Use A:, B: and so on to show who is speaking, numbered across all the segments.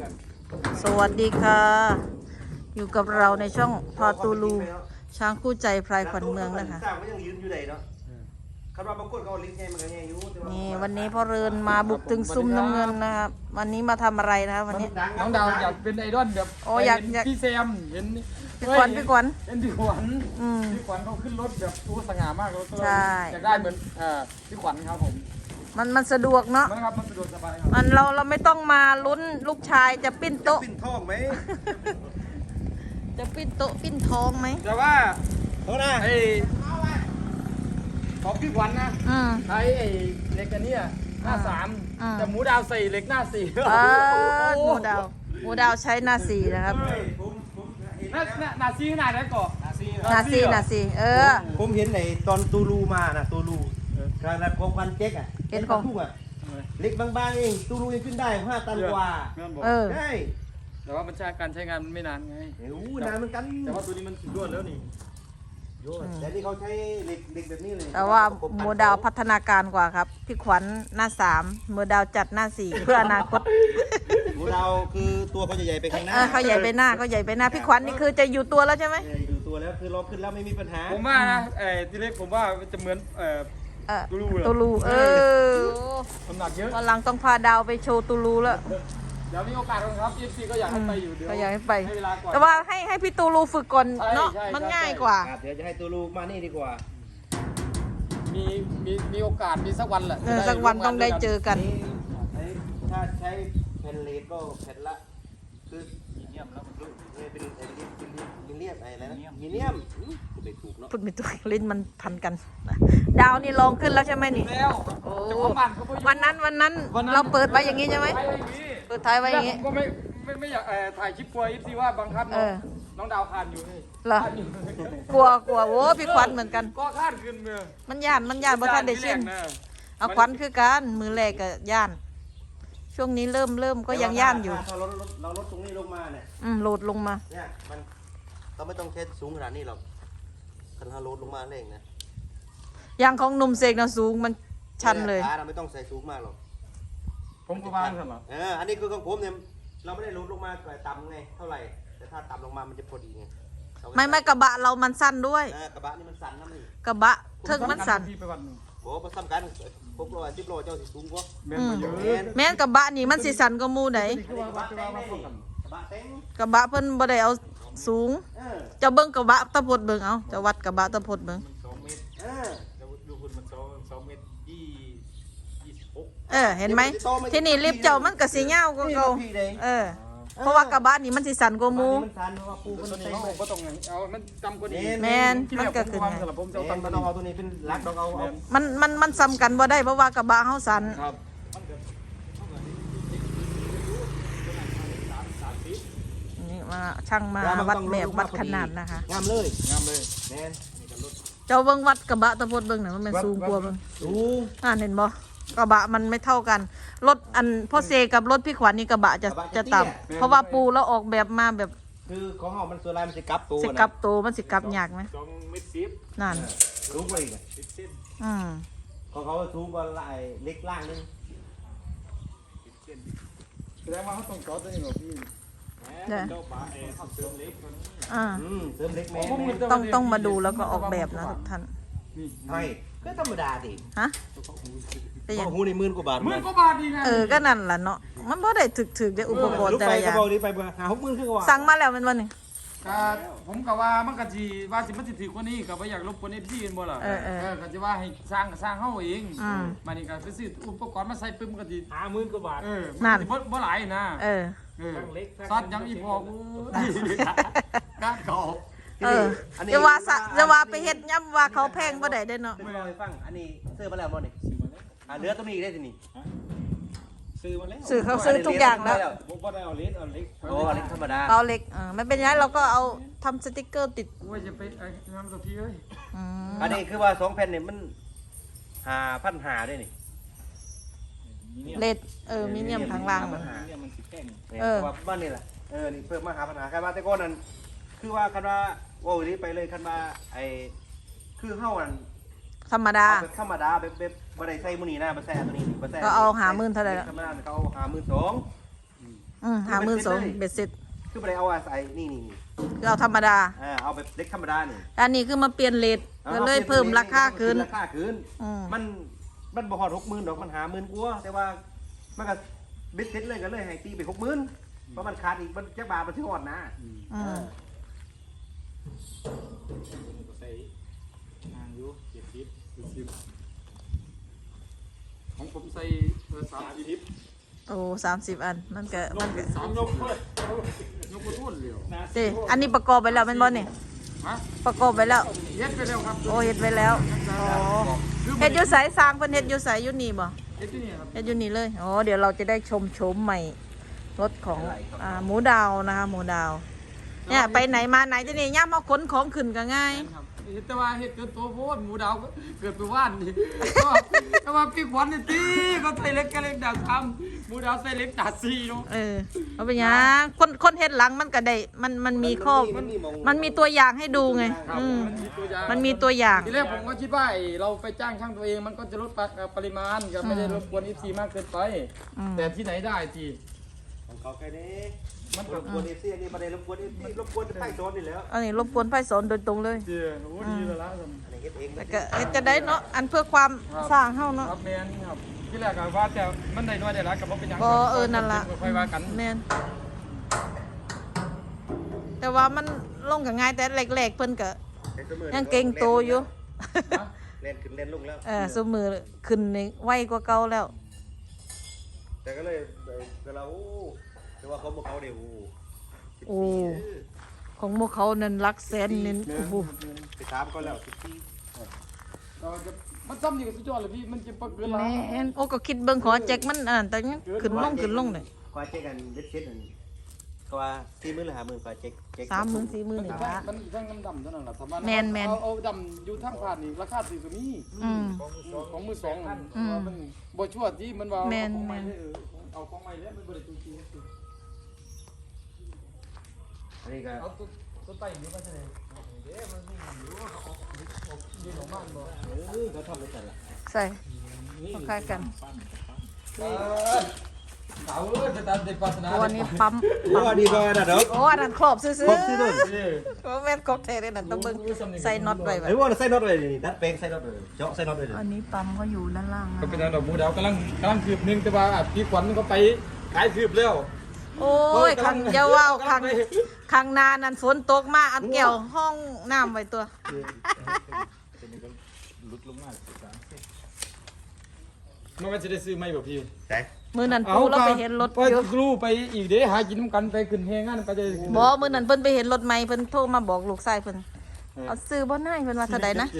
A: สวัสดีค่ะ อยู่กับเราในช่องพอตูลูช้างคู่ใจพลายขวัญเมืองนะคะนี่วันนี้พ่อเรินมาบุกถึงซุ้มน้ำเงินนะครับวันนี้มาทำอะไรนะครับวันนี้
B: น้องดาวอยากเป็นไอดอลแบบ
A: โอ้อยาก
B: พี่แซมเห็น
A: พี่ขวัญ
B: เห็นพี่ขวัญพี่ขวัญเขาขึ้นรถแบบตัวสง่ามากเลยอยากได้เหมือนพี่ขวัญครับผม
A: มันสะดวกเนาะ
B: มันสะดวกสบายครับ
A: เราไม่ต้องมาลุ้นลูกชายจะปิ้นโต๊ะ
C: ปิ้นทองไหม
A: จะปิ้นโต๊ะปิ้นทองไหม
B: แต่ว่า
C: เขาหน้า
B: ไอของพี่ขวัญนะใช้ไอเหล็กอันนี้หน้า3แต่หมูดาวใส่เหล็กหน้า4
A: หมูดาวใช้หน้า4นะครับ
B: หน้า4ขนาดไหนก่อน
A: หน้า4
C: ผมเห็นในตอนตูลูมานะตูลูการรับของพันเจ๊กอ่ะ
A: เห็นของ
C: ทุกอ่ะเล็กบางๆเองตูลูยังขึ้นได้5 ตันกว่าใช่
B: แต่ว่ามันการใช้งานมันไม่นานไง
C: นานเหมือนกัน
B: แต่ว่าตัวนี้มันสุดยอดแล้วนี่
C: แต่นี่เขาใช้เหล็กแบบนี้เลย
A: แต่ว่าหมูดาวพัฒนาการกว่าครับพี่ขวัญหน้า3หมูดาวจัดหน้า4เพื่ออนาคต
C: หมูดาวคือตัวเขาจะใหญ่ไปข้างหน้า
A: เขาใหญ่ไปหน้าพี่ขวัญนี่คือจะอยู่ตัวแล้วใช่ไหม
C: อยู่ตัวแล้วคือเราขึ้นแล้วไม่มีปัญหา
B: ผมว่านะทีเล็กผมว่าจะเหมือน
A: ตูลู
B: น้ำหนักเยอะ
A: วันหลังต้องพาดาวไปโชว์ตูลูแล้ว
B: เดี๋ยวมีโอกาสครับ FC ก็อยากให้ไปอยู่เดี๋ยว
A: ก็อยากให้ไป
B: เวลาก่อน
A: แต่ว่าให้พี่ตูลูฝึกก่อนเนาะมันง่ายกว่า
C: เดี๋ยวจะให้ตูลูมานี่ดีกว่า
B: มีโอกาสมีสักวันแหละ
A: สักวันต้องได้เจอกัน
C: ถ้าใช้แผ่นเลดก็แผ่นละคือมีเนียมแล้วมันเป็นมิเนียมอะไรนะมิเนียมไปถูกเนาะ
A: พูดไม่ถูกลิ้นมันพันกันดาวนี่ลองขึ้นแล้วใช่ไหมนี่
B: แล้ว
A: วันนั้นเราเปิดไว้อย่างนี้ใช่ไหมเปิดท้ายไว้อย่างนี้
B: ก็ไม่อยากถ่ายคลิปกลัว FC ว่าบังคับน้องดาวคานอยู่นี่
A: เหรอกลัวโว้พี่ขวัญเหมือนกัน
B: ก็คานขึ้นมือ
A: มันย่านบ่ทันได้ชินเอาขวัญคือกันมือแรกก็ย่านช่วงนี้เริ่มก็ยังย่านอยู่
C: เราลดตรงนี้ลงมาเนี่ย
A: โหลดลงมา
C: เนี่ยมันเราไม่ต้องเทสสูงขนาดนี้หรอกคันเราลดลงมาเองนะ
A: อย่างของหนุ่มเสกนะสูงมันชันเลย
C: เราไม่ต้องใส่สูงมากหรอก
B: ผมก็วางกันหรอ
C: อันนี้คือของผมเนี่ยเราไม่ได้ลดลงมาต่ำไงเท่าไหร่แต่ถ้าต่ำลงมามันจะพอดีไง
A: ไม่กระบะเรามันสั้นด้วย
C: กระบะนี่มันสั้นนะนี่
A: กระบะเทิงมันสั้น
C: โอ้มาซ้ำกัน610 โลเจ้าสิสูงกว่า
A: แม่นกระบะนี่มันสิสั้นกว่าหมู่ไหนกระบะเพิ่นบ่ได้เอาสูงจะเบิ่งกระบะตะพดเบิ่งเอาจะวัดกระบะตะพดเบิ่ง
B: ดูคุณมัน2 เมตร 26
A: เห็นไหมที่นี่ลิฟต์เจ้ามันก็สิยาวกว่าเก่าเพราะว่ากระบะนี่มันสิสั้นกว่าหมู่
C: มันสั้นเพราะว่าปูมัน
B: ใส่บ่ต้องเอามันจำกว่านี้
A: แม่นมันก็ขึ้น
C: ผมจะเอาตัวนี้เป็นหลักต้องเอา
A: มันซ้ำกันบ่ได้เพราะว่ากระบะเฮาสั้นนี่มาช่างมาวัดแบบวัดขนาดนะคะ
C: งามเลยแม่น
A: เจ้าเบิ่งวัดกระบะตะพดเบิ่งน่ะมันสูงกว่าเบิ่ง
C: สูง
A: เห็นบ่กระบะมันไม่เท่ากันรถอันพ่อเซกับรถพี่ขวัญนี่กระบะจะต่ำเพราะว่าปูแล้วออกแบบมาแบบ
C: คือของเฮามันส่วนลายมันสิกลับตัว
A: มันสิกลับยากไหม
B: 2 เมตร 10
A: นั่น
C: สูงกว่าอีก
B: 10 เซน
C: ของเขาสูงกว่าลายเล็กล่างนึง
B: 10 เซนแสดงว่าเขาต้องจอดตัวนี้หรอพี่เจ้าป่าเสริมเล็กตัวนี้
C: เสริมเล็กแม่
A: ต้องมาดูแล้วก็ออกแบบนะทุกท่าน
C: ไม่ก็ธรรมดาดิ
A: ฮะ
C: แต่อย่างหูใน10,000 กว่าบาท
B: ดีไง
A: ก็นั่นแหละเนาะมันบ่ได้ถึกได้อุปกรณ์แต่ละอย่าง
C: ไป60,000 คือว่า
A: สั่งมาแล้วมันวันนึง
B: ผมก็ว่ามันก็สิว่าสิมันสิถือกว่านี้ก็บ่อยากรบกวน FC บ่ล่ะก็สิว่าให้สร้างเฮาเองมานี่ก็ไปซื้ออุปกรณ์มาใส่ปึ้มก็สิ
C: 50,000 กว่าบาท
A: นั่น
B: บ่หลายนะซอดยังอีพอกูการขอบ
A: จะว่าไปเฮ็ดย่ำว่าเขาแพงบ่ได้เด้เนาะ
C: ไม่ได้ฟังอันนี้ซื้อมาแล้วบ่นี่เหลือตัวนี้ได้สินี่
B: ซื้อมาแล้ว
A: เขาซื้อทุกอย่างแล้ว
B: บ่ได้เอาเล็กเอาเ
C: ล็กธรรมดา
A: เอาเล็กไม่เป็นไรเราก็เอาทำสติ๊กเกอร์ติด
B: ว่าจะไปงานตัวพี่เอ้ย
C: อันนี้คือว่า2 แผ่นนี่มัน5,500ด้วยนี่
A: เลดมีเนียมทางล่างมัน
C: สิแพงว่าบ้านนี่แหละนี่เพิ่มมา5,500ใครว่าแต่ก่อนนั้นคือว่าคันว่าโอ้ยนี่ไปเลยคันว่าคือเฮาอัน
A: ธรรมดา
C: แบบบ่ได้ใส่มื้อนี้นะบ่ใส่ตัวนี้บ่ใส่
A: ก็เอา50,000เท่าไหร่ล่ะ
C: ธรรมดาเขาเอา52,000
A: 52,000เบ็ดเสร็จ
C: คือไปเอาใส่นี่
A: คือเอาธรรมดา
C: เอาแบบเล็กธรรมดานี่
A: อันนี้คือมาเปลี่ยนเลทก็เลยเพิ่มราคาขึ้น
C: ราคาขึ้นมันบ่ฮอด60,000ดอกมัน50,000กว่าแต่ว่ามันก็เบ็ดเสร็จเลยก็เลยให้ตีไป60,000เพราะมันขาดอีกมันจักบาทมันสิฮอดนะ
B: ใส่ห่างอยู่70ของผมใส่30
A: โอ้30 อันมันก็
B: 3ยกเลยยกบ่ทุ่นเลย
A: เด้อันนี้ประกอบไปแล้วแม่นบ่นี่
B: ฮะ
A: ประกอบไปแล้ว
B: เฮ็ดไปแล้วครับ
A: โอ้เฮ็ดไปแล้วอ๋อเฮ็ดอยู่ไสสร้างเพิ่นเฮ็ดอยู่ไสอยู่นี่บ่
B: เฮ็ดที่นี่ครับ
A: เฮ็ดอยู่นี่เลยอ๋อเดี๋ยวเราจะได้ชมโฉมใหม่รถของหมูดาวนะคะหมูดาวเนี่ยไปไหนมาไหนจะนี่ย่ามเอาขนของขึ้นก็ง่าย
B: ครับเฮ็ดแต่ว่าเฮ็ดเกินตัวโพดหมูดาวเกิดไปว่านนี่แต่ว่าพี่ขวัญนี่ตีก็ใส่เล็กก็เล็กดาบ3หมูดาวใส่เล็กดาบ4เนาะ
A: เอาไปหยังคนเฮ็ดหลังมันก็ได้มันมีข้อมันมีตัวอย่างให้ดูไง
B: ครับ
A: มันมีตัวอย่าง
B: ทีแรกผมก็คิดว่าเราไปจ้างช่างตัวเองมันก็จะลดปริมาณก็ไม่ได้รบกวน FC มากเกินไป แต่ที่ไหนได้ที
C: ของเขาแค่นี้มันรบกวน FC อันนี้บ่ได้รบกวน FC รบกวนไฟโซนนี่แล้ว
A: อันนี้รบกวนไฟสอนโดยตรงเลย
B: เดี๋ยวโอ้ดีแล้วล่ะ
C: อันนี้เฮ็ดเอง
A: แต่ก็เฮ็ดจะได้เนาะอันเพื่อความสร้างเฮาเนาะ
B: ครับแมนครับที่แรกก็ว่าแต่มันได้น้อยได้หลายก็บ่เป็นหยัง
A: บ่นั่นล่ะ
B: ค่อยว่ากัน
A: แม่นแต่ว่ามันลงก็ง่ายแต่แรกๆเพิ่นก็ยังเก่งโตอยู่
C: เล่นขึ้นเล่นลงแล้ว
A: ซุมือขึ้นนี่ไวกว่าเก่าแล้ว
C: แต่ก็เลยแต่เราแต่ว่าเขาบอกเขาเดี๋ยว
A: โอ้ของพวกเขานั่นหลักแสนนี่โอ้โห
C: ไปถามเขาแล้ว
B: เราจะมันซ้ำนี่ก็สุดยอดเลยพี่มันจะปักเกินละ
A: แม่นโอ้ก็คิดเบิ่งขอแจ็คมันแต่ยังขึ้นลงเลย
C: ควายเช็คกันเด็ดเช็ดนั่นก็ว่า40,000หรือ50,000ควายเช็ค
A: 30,000 40,000นี่ล่ะ
B: มันทั้งน้ำเท่านั้นแหละถ้ามัน
A: แม่น
B: เอาดำอยู่ทางผ่านนี่ราคาสิก็มี ของมือสองมันบ่ชั่วที่มันว่าของใหม่เอาของใหม่แล้วมันบ่ได้จริง
C: อันนี้ก็
B: เอาตัวไต่นี่มาใช่ไหมเด้มันนี่อยู่ออกนี่ของบ้านบ่
C: เขาทำไม่ใช่ละ
A: ใส่คล้ายกัน
B: เอาจะตัดเด็กปัสนา
A: ตัวนี้ปั๊ม
C: ว่าดีกว่านะดอก
A: โอ้อันนั้นครอบซื่อ
C: ครบซื่อ
A: โอ้แม่นครบแท้เลยนั่นต้องเบิ่งใส่น็อตไว้
C: ไอ้ว่าใส่น็อตเลยนี่ดัดแปลงใส่น็อตเลยเจาะใส่น็อตเลย
A: อันนี้ปั๊มเขาอยู่ด้านล่าง
B: ก็เป็นทางดอกมูดาวกำลังคืบนึงแต่ว่าพี่ขวัญก็ไปขายคืบแล้ว
A: โอ้ยขังอย่าว่าวขังนานั่นฝนตกมาอันแก้วห้องน้ำไว้ตัว
B: มันก็จะได้ซื้อไหมบ่พี่
C: ใช่
A: มื้อนั้นปูเราไปเห็นรถ
B: ไป
A: อยู่
B: กรูไปอีกเด้หากินน้ำกันไปขึ้นแฮงานไปจะ
A: บ่มื้อนั้นเพิ่นไปเห็นรถใหม่เพิ่นโทรมาบอกลูกชายเพิ่นเอาซื้อบ่ได้เพิ่นว่าเท่าใดนะ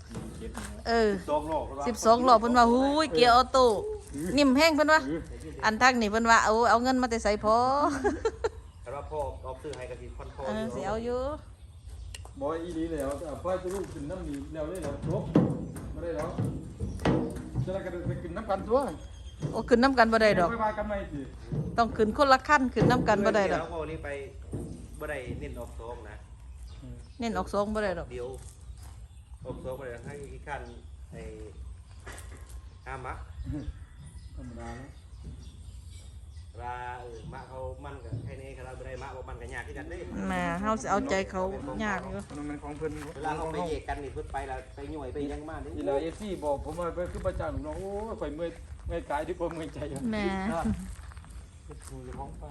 A: 12 ล้อเพิ่นว่าหูยเกียร์ออโต้นิ่มแฮงเพิ่นว่าอันทางนี่เพิ่นว่าเอาเงินมาแต่ใส่พอ
C: แต่ว่าพ่อเอาซื้อให้กับที่คอนโทรล
A: สิเอาอยู่
B: บ่อีดีแล้วพ่อจะลูกขึ้นน้ำนี่แล้วเลยแล้วจบบ่ได้แล้วจะได้กันไปขึ้นน้ำกันตัว
A: โอ้ขึ้นน้ำกันบ่ได้ดอก
B: ไปว่ากันใหม่สิ
A: ต้องขึ้นคนละขั้นขึ้นน้ำกันบ่ได้ดอก
C: แล้วพอนี้ไปบ่ได้เน้นออกซองนะ
A: เน้นออกสองบ่ได้ดอก
C: เดี๋ยวออกซองบ่ได้ให้อีกขั้นไอ้อามัก
B: ธรรมดาแล้ว
C: ลามะเขามันกับแค่นี้ครับเราไม่ได้มะว่ามันกับยากที่กันเด้
A: แหม่เฮาสิเอาใจเขายากอยู่
B: มันของเพิ่น
C: เวลาเขาไปเยกกันนี่เพิ่นไปแล้วไปหน่วยไปยังมากนี่
B: อีหลา FC บอกผมว่าไปคือประจานน้องโอ้ยข่อยเมื่อยกายที่ผมเมื่อยใจอยู่
A: แหม่
B: ของไป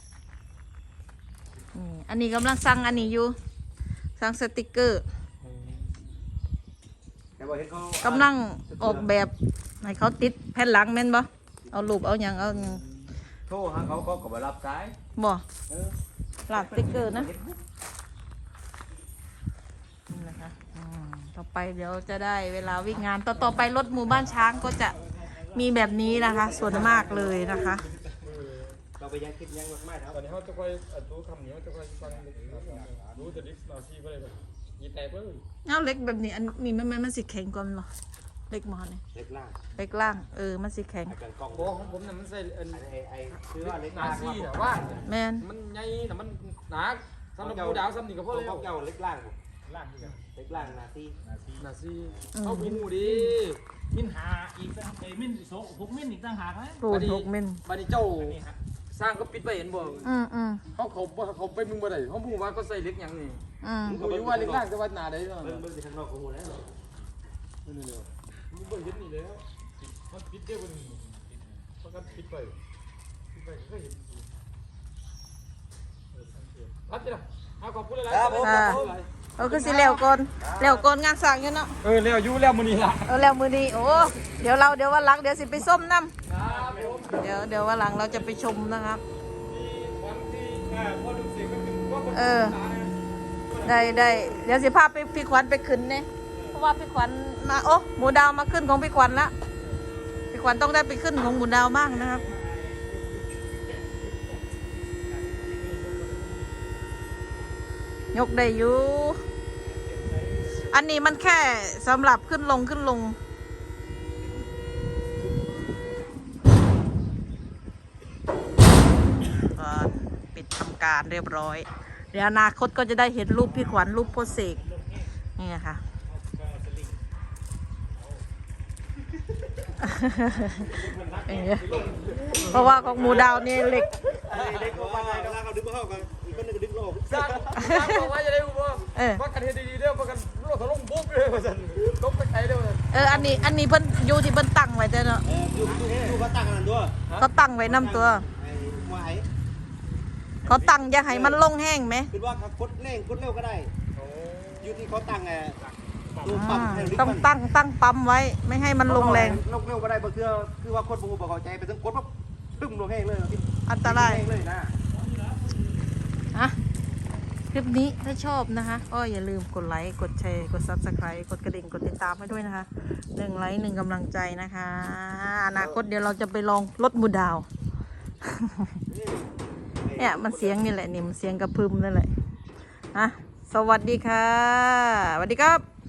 A: อันนี้กำลังสั่งอันนี้อยู่สั่งสติกเกอร์
C: แต่ว่าเห็นเขา
A: กำลังออกแบบให้เขาติดแผ่นหลังแม่นบ่เอารูปเอาหยังเอาหยัง
C: โทรหาเขาก็บ่รับสาย
A: บ่ลากสติกเกอร์นะนี่นะคะต่อไปเดี๋ยวจะได้เวลาวิ่งงานต่อไปรถหมู่บ้านช้างก็จะมีแบบนี้นะคะ ส่วนมากเลยนะคะ
C: เราไปยังคิดยังมากๆครับ
B: ตอนนี้เขาจะค่อยดูคำนี้เขาจะค่อยฟังรู้แต่ดิสนาซีก็เลยแบบยีแตกเลย
A: เอาเล็กแบบนี้อันนี้มันสิแข็งกว่ามั้ยเหรอเล็กมอนี่
C: เล็กล่าง
A: เล็กล่างมันสิแข็ง
C: อาจารย์กล้อง
B: โบของผมน่ะมันใส่
C: ไอ้คือว่าเล็ก
B: นา
C: ล่าง
B: ซีน่ะว่า
A: แม่น
B: มันใหญ่น่ะมันหนาสำหรับผู้ดาวซ้ำนี่ก็พอเลย
C: เขาเจ้าเล็กล่าง
B: ล่างนี่กัน
C: เล็กล่างนาซี
B: นาซีเอาหูดี
D: มินหาอีกตั้งมิน6 มินอีกต่างหากไหม
A: ปูน6มิล
B: บัดนี้เจ้าสร้างก็ปิดไว้เห็นบ่ เขาไปมึงบ่ได้เขาพูดว่าเขาใส่เหล็กหยังนี่เขาอยู่ว่าเหล็กล่างจะวัดหนาได้เนาะ
C: เบิ่งที่ข้างนอกของหูแล้ว
B: นี่เดียวมึงเบิ่งเห็นนี่แล้วมันปิดได้บ่นี่มันก็ปิดไปก็เห็นพัดจ้ะเอาขอบคุณหลายๆ
C: ครับผม
A: คือสิแล้วก่อนงานสร้างอยู่เนาะ
B: แล้วอยู่แล้วมื้อนี้ล่ะ
A: แล้วมื้อนี้โอ้เดี๋ยววันหลังเดี๋ยวสิไปส้มน้ำเดี๋ยววันหลังเราจะไปชมนะครับได้เดี๋ยวสิพาไปพี่ขวัญไปขึ้นเนี่ยเพราะว่าพี่ขวัญมาโอ้หมูดาวมาขึ้นของพี่ขวัญละพี่ขวัญต้องได้ไปขึ้นของหมูดาวบ้างนะครับยกได้อยู่อันนี้มันแค่สำหรับขึ้นลงปิดทำการเรียบร้อยเดี๋ยวอนาคตก็จะได้เห็นรูปพี่ขวัญรูปโพสเสกนี่ค่ะเพราะว่าของหมูดาวนี่เหล็ก
C: เด็กว่าไงกันเขาดึงมาเข้ากันอีกคนนึงก็ดึงออก
B: สร้างบอกว่าจะได้บ่ว่ากันเฮ็ดดีๆเด้อว่ากันรถถล่มปุ๊บเลยว่าซั่นตกไปไกลเด้อว่าซั่น
A: อันนี้เพิ่นอยู่ที่เพิ่นตั้งไว้เด้อเนาะ
C: ดูเขาตั้งกันด้วย
A: เขาตั้งไว้นำตัว
C: ไอ้หวาย
A: เขาตั้งอย่าให้มันลงแห้งไหม
C: คือว่าคดเร่งคดเร็วก็ได้อยู่ที่เขาตั้งไงตัวปั๊ม
A: ต้องตั้งปั๊มไว้ไม่ให้มันลงแรง
C: ลงเร็วก็ได้บางทีคือว่าคนบูบอกเข้าใจไปถึงกดปั๊บตึ้มลงแห้งเลย
A: อันตราย
C: เลยนะ
A: คลิปนี้ถ้าชอบนะคะก็อย่าลืมกดไลค์กดแชร์กด Subscribe กดกระดิ่งกดติดตามให้ด้วยนะคะ1 ไลค์1กำลังใจนะคะอนาคตเดี๋ยวเราจะไปลองรถหมูดาวเนี่ยมันเสียงนี่แหละนี่มันเสียงกระพึมนั่นแหละสวัสดีค่ะสวัสดีครับ